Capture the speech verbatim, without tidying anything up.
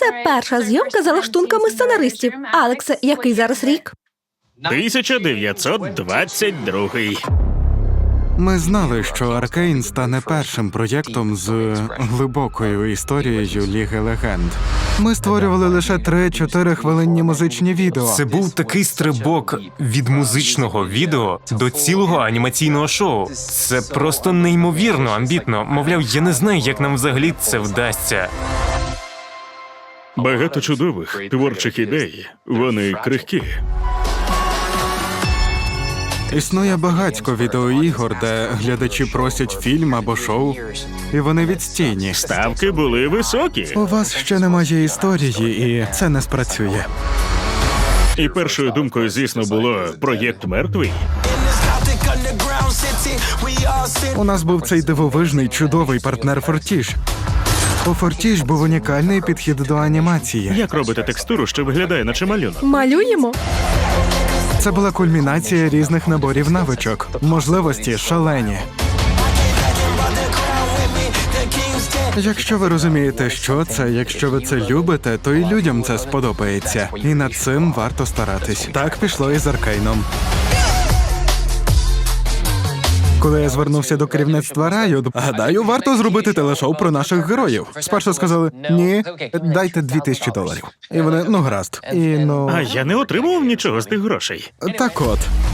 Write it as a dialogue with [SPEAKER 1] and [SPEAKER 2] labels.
[SPEAKER 1] Це перша зйомка за лаштунками сценаристів. Алексе, який зараз рік?
[SPEAKER 2] тисяча дев'ятсот двадцять другий.
[SPEAKER 3] Ми знали, що Аркейн стане першим проєктом з глибокою історією Ліги Легенд. Ми створювали лише три-чотири хвилинні музичні відео.
[SPEAKER 4] Це був такий стрибок від музичного відео до цілого анімаційного шоу. Це просто неймовірно амбітно. Мовляв, я не знаю, як нам взагалі це вдасться.
[SPEAKER 2] Багато чудових творчих ідей. Вони крихкі.
[SPEAKER 3] Існує багатько відеоігор, де глядачі просять фільм або шоу, і вони відстійні.
[SPEAKER 2] Ставки були високі.
[SPEAKER 3] У вас ще немає історії, і це не спрацює.
[SPEAKER 2] І першою думкою, звісно, було проєкт мертвий.
[SPEAKER 3] У нас був цей дивовижний, чудовий партнер Фортіж. У Фортіж був унікальний підхід до анімації.
[SPEAKER 2] Як робити текстуру, що виглядає наче малюнок?
[SPEAKER 1] Малюємо?
[SPEAKER 3] Це була кульмінація різних наборів навичок. Можливості шалені. Якщо ви розумієте, що це, якщо ви це любите, то і людям це сподобається. І над цим варто старатись. Так пішло і з Аркейном. Коли я звернувся до керівництва Riot, гадаю, варто зробити телешоу про наших героїв. Спершу сказали, ні, дайте дві тисячі доларів. І вони, ну гаразд. І, ну...
[SPEAKER 2] А я не отримував нічого з тих грошей.
[SPEAKER 3] Так от,